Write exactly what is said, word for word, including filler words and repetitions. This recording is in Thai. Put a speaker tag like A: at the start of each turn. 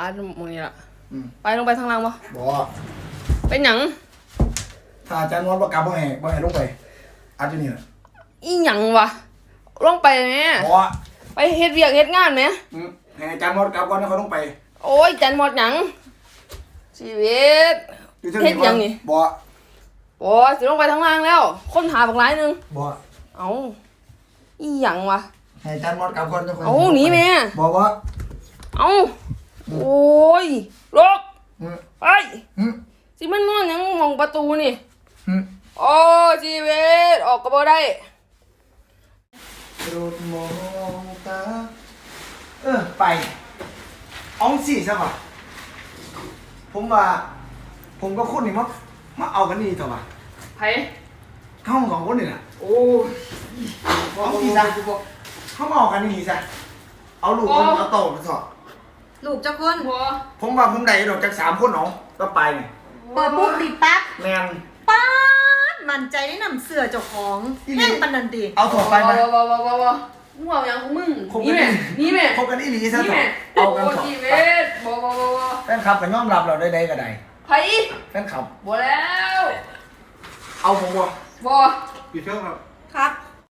A: หมองนี้ล่ะ
B: อืม
A: ไปลงไปทางล่างบ่
B: บ่
A: เป็นหยัง
B: ถ้าอาจารย์นอนบ่กลับบ่ให้บ่ให้ลงไปอาจจะนี่แหละ
A: อีหยังวะลงไปแม่
B: บ่
A: ไปเฮ็ดเวียกเฮ็ดงานแม่
B: อืมให้อาจารย์นอนกลับก่อนแล้วค่อยลงไป
A: โอ้ยจันหมดหยังชีวิต
B: อยู่ที่
A: เฮ็ดหยังนี่
B: บ่
A: โอ้ยสิลงไปทางล่างแล้ว คนหาบักหลายหนึง
B: บ่
A: เอ้าอีหยังวะ
B: ให้อาจารย์นอนกลับก่อนแล้วค่อย
A: เอ้าหนีแม่
B: บ่บ่
A: เอ้าโอ้ยลก
B: อืม
A: ไป
B: อืม
A: สิมันนอนหยังมองประตูนี่
B: อืม
A: โอ้ยชีวิตออกก็บ่ได้
B: โปรดมองตาเออไปเอองสิซะว่ะผมว่า ผมก็คุณนี่มามาเอากันนี่เถอะว่ะ
A: ไผ
B: เข้าสองคนนี่แหละ
A: โอ้ย
B: เอาสิซะเข้ามาเอากันนี่ซะเอาลูกคนเอาโตมาสอบ
C: ลูกเจ้าคน
A: บ่
B: ผมว่าผมได้ดอกจากสามคนเนาะก็ไปนี่
C: เปิดปุ๊บติดปั๊บ
B: แมน
C: ป๊าดมั่นใจได้นำเสื้อเจ้าของ
B: อีหลี
C: แห้งปันนันตี
B: เอาถั่วไปไหม
A: บ่บ่บ่บ่บ่มึงเอาหยังของมึง
B: คบ
A: นี่
B: กัน
A: แม่นี่แม่
B: คบกันอีหลีซะ
A: นี่
B: เถ
A: แม่
B: อะเอากัน
A: โอ้
B: เถอะ
A: ชีวิตบ่บ่บ่บ่
B: แฟนคลับก็ยอมรับเราได้ได้ก็ได้
A: ไผ
B: แฟนคลับ
A: บ่แล้ว
B: เอาผมบ่
A: บ่
B: ปิดเครื่องครับ
A: ครับ
B: ข